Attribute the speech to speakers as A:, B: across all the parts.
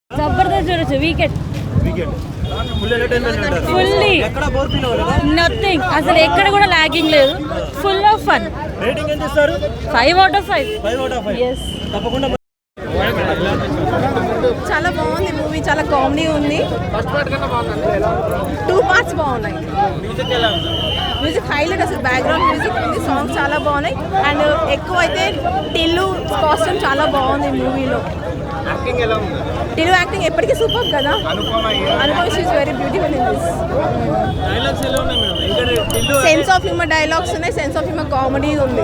A: జబర్దస్త్ చూడొచ్చు. Weekend fully nothing, అసలు ఎక్కడ కూడా లాగింగ్ లేదు. Full of fun. 5/5. yes.
B: చాలా బాగుంది మూవీ, చాలా కామెడీ ఉంది. 2 parts బాగున్నాయి. మ్యూజిక్ హైలైట్, అసలు బ్యాక్గ్రౌండ్ మ్యూజిక్ ఉంది, సాంగ్స్ చాలా బాగున్నాయి. అండ్ ఎక్కువ అయితే టిల్లు కాస్ట్యూమ్ చాలా బాగుంది మూవీలో. టిల్లు యాక్టింగ్ ఎప్పటికీ సూపర్ కదా. Anupama she's very beautiful in this. Sense of humour dialogues ఉన్నాయి, సెన్స్ ఆఫ్ హ్యూమర్ కామెడీ ఉంది.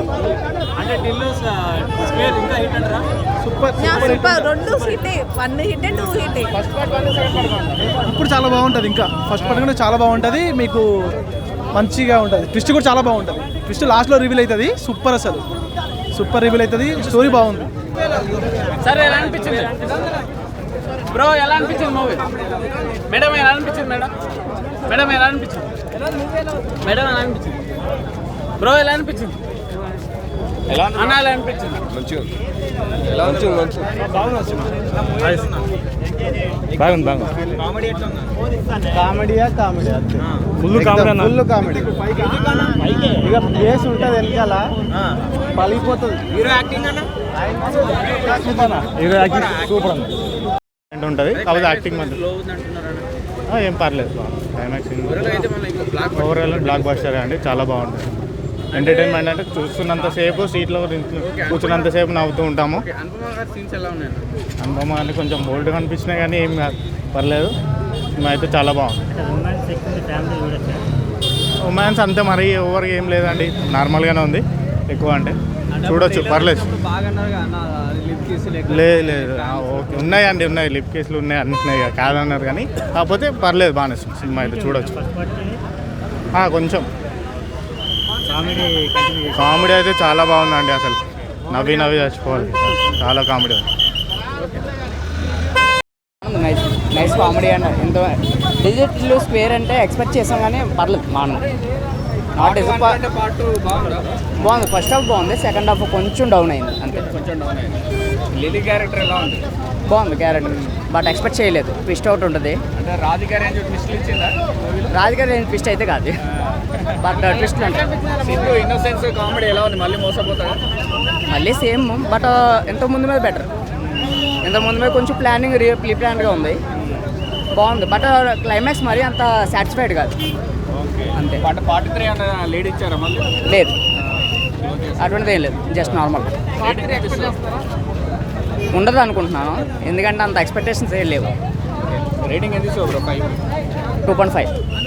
B: Super 2 hit, 1 hit 2 hit.
C: ఇప్పుడు చాలా బాగుంటుంది. ఇంకా ఫస్ట్ పార్ట్ కూడా చాలా బాగుంటుంది, మీకు మంచిగా ఉంటుంది. ట్విస్ట్ కూడా చాలా బాగుంటుంది. ట్విస్ట్ లాస్ట్లో రివీల్ అవుతుంది. సూపర్, అసలు సూపర్ రివీల్ అవుతుంది. స్టోరీ బాగుంది.
D: సరే, ఎలా అనిపించింది బ్రో? ఎలా అనిపించింది మూవీ? మేడం ఎలా అనిపించింది? మేడం ఎలా అనిపించింది? మేడం ఎలా అనిపించింది? బ్రో ఎలా అనిపించింది? అన్న ఎలా అనిపించింది?
E: మంచిగా
C: బాగుంది. కామెడీయా ఫుల్ కామెడీ. ఇక బేస్ ఉంటుంది వెనకాల, పలిగిపోతుంది.
E: హీరో యాక్టింగ్
C: సూపర్ ఉంటుంది. కాకపోతే యాక్టింగ్ మాత్రం ఏం పర్లేదు. క్లైమాక్స్ ఓవరాల్ బ్లాక్ బస్టర్ అండి, చాలా బాగుంటుంది. ఎంటర్టైన్మెంట్ అంటే చూస్తున్నంతసేపు సీట్లో కూర్చున్నంతసేపు నవ్వుతూ ఉంటాము. అనుపమ అని కొంచెం బోల్డ్గా అనిపించినాయి కానీ ఏం కాదు, పర్లేదు. అయితే చాలా బాగుంది. రొమాన్స్ అంతే మరి ఓవర్గా ఏం లేదండి, నార్మల్గానే ఉంది. ఎక్కువ అంటే చూడొచ్చు, పర్లేదు. లేదు ఓకే, ఉన్నాయండి, ఉన్నాయి లిప్ కేసులు ఉన్నాయి, అన్నిన్నాయి కాదన్నారు కానీ కాకపోతే పర్లేదు, బాగానే సినిమా అయితే చూడొచ్చు. కొంచెం కామెడీ అయితే చాలా బాగుందండి, అసలు నవ్వి చచ్చిపోవాలి. చాలా కామెడీ ఉంది.
F: నైస్ కామెడీ అండి. ఎంతో డిజిటల్ స్క్వేర్ అంటే ఎక్స్పెక్ట్ చేసాం కానీ పర్లేదు, బాగుంది. బాగుంది. ఫస్ట్ హాఫ్ బాగుంది, సెకండ్ హాఫ్ కొంచెం డౌన్ అయింది అంతే.
D: లిలీ క్యారెక్టర్ ఎలా ఉంది?
F: బాగుంది క్యారెక్టర్, బట్ ఎక్స్పెక్ట్ చేయలేదు. ట్విస్ట్ అవుట్ ఉంటుంది.
D: అంటే రాధిక రేంజ్ ట్విస్ట్ ఇచ్చిందా?
F: రాధిక రేంజ్ ట్విస్ట్ అయితే కాదు, బట్ ట్విస్ట్ అంటే
D: సింధు ఇన్నోసెన్స్ కామెడీ ఎలా ఉంది? మళ్ళీ మోసపోతారా?
F: మళ్ళీ సేమ్, బట్ ఎంతో ముందు మీద బెటర్. ఇంత ముందు మీద కొంచెం ప్లానింగ్ ప్రీ ప్లాన్గా ఉంది, బాగుంది. బట్ క్లైమాక్స్ మరి అంత సాటిస్ఫైడ్ కాదు అంతే.
D: పార్ట్ 3 అన్న లీడ్ ఇచ్చారా? మళ్ళీ
F: లేదు, అటువంటిది ఏం లేదు, జస్ట్ నార్మల్ ఉండదు అనుకుంటున్నాను. ఎందుకంటే అంత ఎక్స్పెక్టేషన్స్ ఏం లేవు.
D: రేటింగ్ ఎంత ఇస్తావు బ్రో?
F: 2.5.